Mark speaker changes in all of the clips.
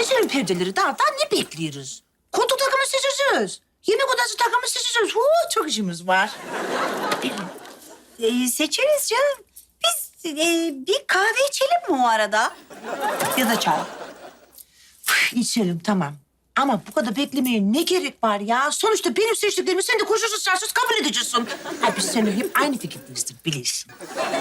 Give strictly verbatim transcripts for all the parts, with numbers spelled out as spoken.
Speaker 1: Seçelim perdeleri. Daha, daha ne bekliyoruz? Koltuk takımı seçeceğiz. Yemek odası takımı seçeceğiz. Huu, çok işimiz var.
Speaker 2: Ee, seçeriz canım. Biz e, bir kahve içelim mi o arada? Ya da çay.
Speaker 1: Üf, İçelim tamam. Ama bu kadar beklemeye ne gerek var ya? Sonuçta benim seçtiklerimi sen de koşulsuz şartsız kabul edeceksin. Ha, biz seninle hep aynı fikirdeyizdir, bilirsin.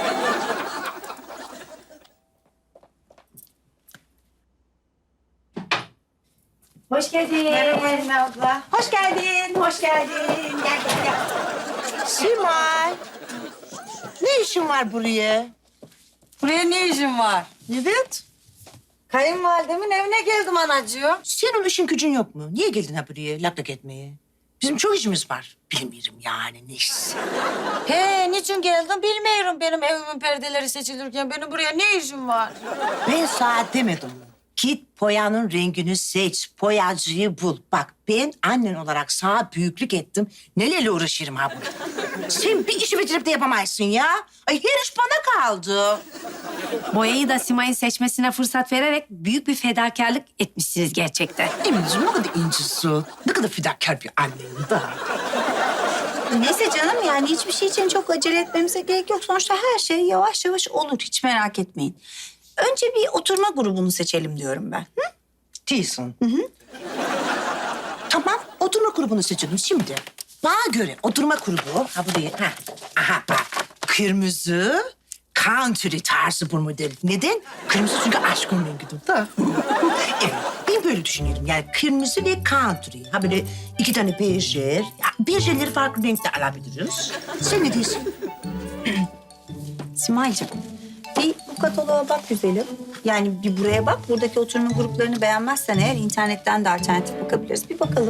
Speaker 2: Hoş geldin. Merhaba abla. Hoş geldin, hoş geldin. Gel gel gel.
Speaker 1: Simay, ne işin var buraya?
Speaker 2: Buraya ne işin var?
Speaker 1: Evet.
Speaker 2: Kayınvalidemin evine geldim anacığım.
Speaker 1: Senin işin gücün yok mu? Niye geldin ha buraya lak lak etmeye? Bizim çok işimiz var. Bilmiyorum yani neyse.
Speaker 3: He, niçin geldin bilmiyorum. Benim evimin perdeleri seçilirken benim buraya ne işim var?
Speaker 1: Ben sana demedim mi? Git poyanın rengini seç, poyacıyı bul. Bak ben annen olarak sana büyüklük ettim. Nelerle uğraşırım ha burada. Sen bir işi bitirip de yapamazsın ya. Ay her iş bana kaldı.
Speaker 4: Boyayı da Simay'ın seçmesine fırsat vererek büyük bir fedakarlık etmişsiniz gerçekten.
Speaker 1: Eminciğim ne kadar incisin. Ne kadar fedakar bir annen da.
Speaker 2: Neyse canım yani hiçbir şey için çok acele etmemize gerek yok. Sonuçta her şey yavaş yavaş olur. Hiç merak etmeyin. Önce bir oturma grubunu seçelim diyorum ben. Hı?
Speaker 1: Değilsin. Hı hı. Tamam, oturma grubunu seçelim şimdi. Bana göre oturma grubu, ha buraya, ha, aha bak. Kırmızı, country tarzı bu model. Neden? Kırmızı çünkü aşkın rengidir da. Evet, ben böyle düşünüyorum. Yani kırmızı ve country. Ha böyle iki tane berjer. Ya, berjerleri farklı renkte alabiliriz. Sen ne diyorsun?
Speaker 2: Simay'cığım bir bu kataloğa bak güzelim. Yani bir buraya bak. Buradaki oturma gruplarını beğenmezsen eğer internetten de alternatif bakabiliriz. Bir bakalım.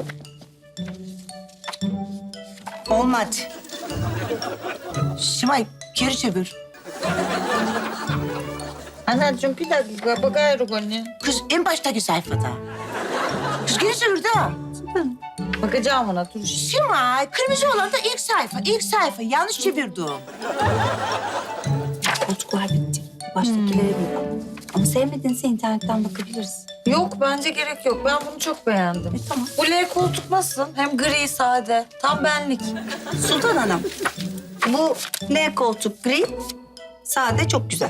Speaker 2: Olmadı.
Speaker 1: Simay, geri çevir.
Speaker 3: Anacığım bir dakika bakıyorum anne.
Speaker 1: Kız en baştaki sayfada. Kız geri çevir de.
Speaker 3: Bakacağım ona dur.
Speaker 1: Simay, kırmızı olan da ilk sayfa. İlk sayfa. Yanlış çevirdim.
Speaker 2: Koltuklar bitti. Baştakilere bir bak. Ama sevmedinse internetten bakabiliriz.
Speaker 3: Yok bence gerek yok. Ben bunu çok beğendim.
Speaker 2: E, tamam.
Speaker 3: Bu L koltuk nasıl? Hem gri sade. Tam benlik.
Speaker 2: Sultan Hanım, bu L koltuk gri, sade çok güzel.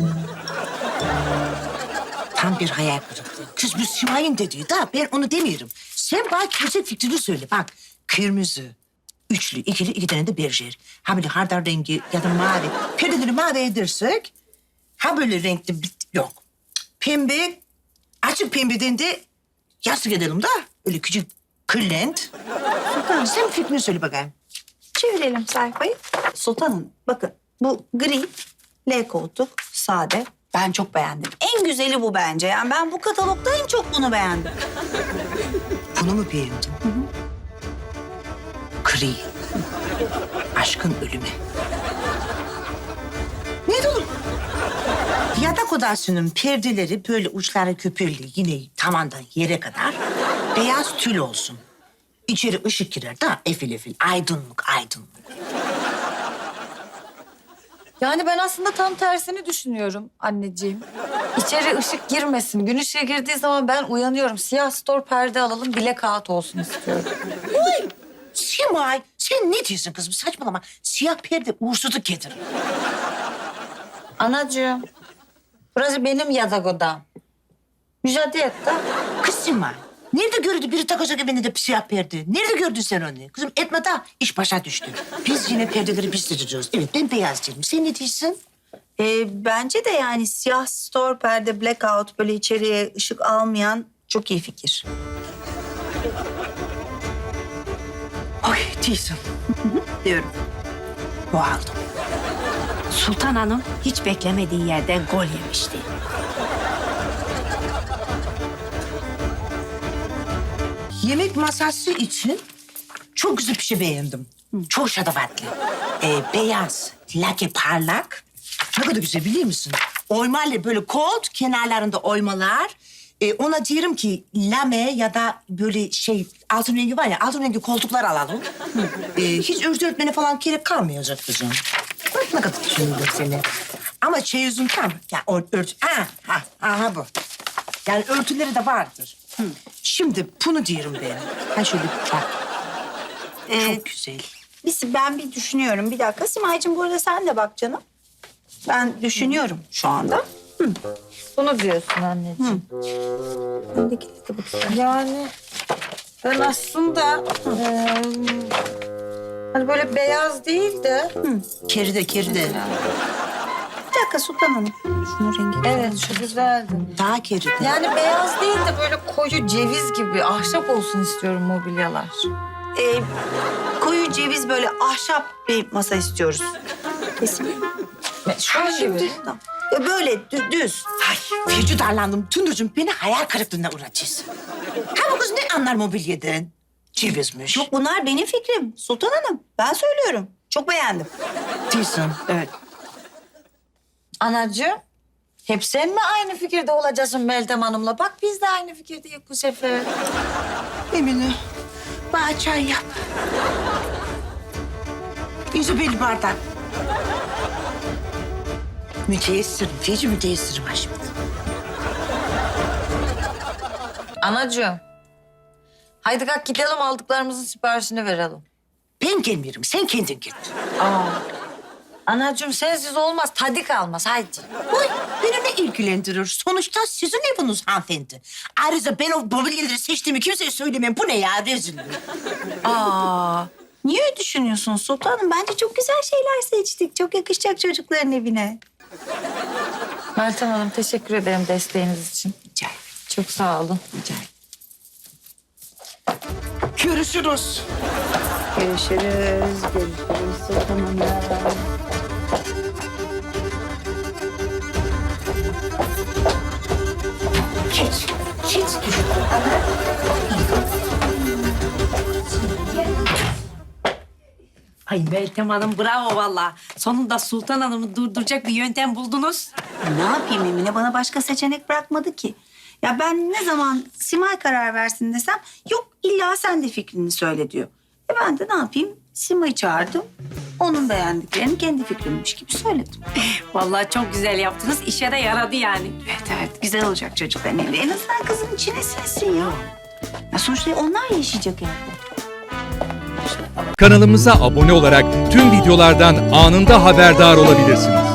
Speaker 1: Tam bir hayal kırıklığı. Kız bu Simay'ın dediği da ben onu demiyorum. Sen bana kesin fikrini söyle. Bak kırmızı, üçlü, ikili, iki tane de berjer. Ha böyle hardal rengi ya da mavi. Perdeleri mavi edersek ha böyle renkli bir... Yok. Pembe, açık pembeden de yastık edelim da. Öyle küçük kırlent. Sultan sen fikrini söyle bakayım.
Speaker 2: Çevirelim sayfayı. Sultan Hanım, bakın bu gri, L koltuk, sade. Ben çok beğendim. En güzeli bu bence. Yani ben bu katalogda en çok bunu beğendim.
Speaker 1: Bunu mu beğendin? Hı hı. Gri. Aşkın ölümü. Ne olur? Yatak odasının perdeleri böyle uçları köpürlü yine tavandan yere kadar beyaz tül olsun. İçeri ışık girer da efil efil aydınlık aydınlık.
Speaker 3: Yani ben aslında tam tersini düşünüyorum anneciğim. İçeri ışık girmesin. Gün ışığı girdiği zaman ben uyanıyorum. Siyah stor perde alalım, blackout olsun istiyorum.
Speaker 1: Uy! Simay sen ne diyorsun kızım saçmalama. Siyah perde uğursuzluk getirir.
Speaker 3: Anacığım, burası benim yatak odam. Müsaade et de.
Speaker 1: Kız Simay nerede gördü biri takacak evinde de siyah perde? Nerede gördün sen onu? Kızım etme da iş başa düştü. Biz yine perdeleri biz seçeceğiz. Evet ben beyaz değilim. Sen ne diyorsun?
Speaker 2: Ee, bence de yani siyah store perde, blackout böyle içeriye ışık almayan çok iyi fikir.
Speaker 1: Ay değilsin.
Speaker 2: Diyorum.
Speaker 1: Bu aldım.
Speaker 4: Sultan Hanım hiç beklemediği yerde gol yemişti.
Speaker 1: Yemek masası için çok güzel bir şey beğendim. Çok şatafatlı. Ee, beyaz, lake parlak. Ne kadar güzel biliyor musun? Oymayla böyle kolt, kenarlarında oymalar. Ee, ona diyorum ki lame ya da böyle şey altın rengi var ya altın rengi koltuklar alalım. Ee, hiç örtü örtmene falan gerek kalmayacak kızım. Bak ne kadar düşündüm seni. Ama çeyizin tam. Ya o örtü. Ha, ha, aha bu. Yani örtüleri de vardır. Şimdi bunu diyorum ben. Ha şöyle bak.
Speaker 2: Ee,
Speaker 1: Çok güzel.
Speaker 2: biz, ben bir düşünüyorum. Bir dakika Simay'cığım bu arada sen de bak canım. Ben düşünüyorum şu anda.
Speaker 3: Bunu diyorsun anneciğim.
Speaker 2: Öndeki de bu güzel.
Speaker 3: Yani ben aslında eee, hani böyle beyaz değil de
Speaker 1: Keride keride.
Speaker 2: Bir dakika Sultan Hanım. Şunun rengi.
Speaker 3: evet şu güzeldi.
Speaker 1: Daha keride.
Speaker 3: Yani beyaz değil de böyle koyu ceviz gibi ahşap olsun istiyorum mobilyalar.
Speaker 2: Ee, koyu ceviz böyle ahşap bir masa istiyoruz. Kesin.
Speaker 3: Şu an gibi.
Speaker 2: Tamam. Ee, Böyle dü- düz.
Speaker 1: Ay feci darlandım. Tündürcüğüm beni hayal kırıklığına uğratıyorsun. Ha bu kız ne anlar mobilyadan? Cevizmiş.
Speaker 2: Yok bunlar benim fikrim Sultan Hanım. Ben söylüyorum. Çok beğendim.
Speaker 1: diyorsun. Evet.
Speaker 3: Anacığım, hep sen mi aynı fikirde olacaksın Meltem Hanım'la? Bak biz de aynı fikirdeyiz bu sefer.
Speaker 1: Emine, bana çay yap. Yüzü bir bardak. Müteessirim, feci müteessirim Haşmet.
Speaker 3: Anacığım, haydi kalk gidelim aldıklarımızın siparişini verelim.
Speaker 1: Ben gelmiyorum, sen kendin git.
Speaker 3: Aa. Anacığım sensiz olmaz, tadı kalmaz haydi.
Speaker 1: Oy, beni ne ilgilendirir? Sonuçta sizin eviniz hanımefendi. Ayrıca ben o mobilyaları seçtiğimi kimseye söylemem. Bu ne ya, rezillik.
Speaker 2: Aa, niye öyle düşünüyorsun Sultan Hanım? Bence çok güzel şeyler seçtik. Çok yakışacak çocukların evine.
Speaker 3: Meltem Hanım teşekkür ederim desteğiniz için.
Speaker 1: Rica ederim.
Speaker 3: Çok sağ olun.
Speaker 1: Rica ederim. Görüşürüz.
Speaker 2: Görüşürüz. Görüşürüz Sultan Hanım.
Speaker 1: Geç, geç.
Speaker 4: Ay Meltem Hanım bravo vallahi. Sonunda Sultan Hanım'ı durduracak bir yöntem buldunuz.
Speaker 2: Ne yapayım Emine? Bana başka seçenek bırakmadı ki. Ya ben ne zaman Simay karar versin desem yok illa sen de fikrini söyle diyor. E ben de ne yapayım? Simay'ı çağırdım. Onun beğendiklerini kendi fikrimmiş gibi söyledim.
Speaker 4: Vallahi çok güzel yaptınız. İşe de yaradı yani.
Speaker 2: Evet evet güzel olacak çocukların evde. En azından kızın içine sinsin ya. Ya sonuçta onlar yaşayacak evde.
Speaker 5: Kanalımıza abone olarak tüm videolardan anında haberdar olabilirsiniz.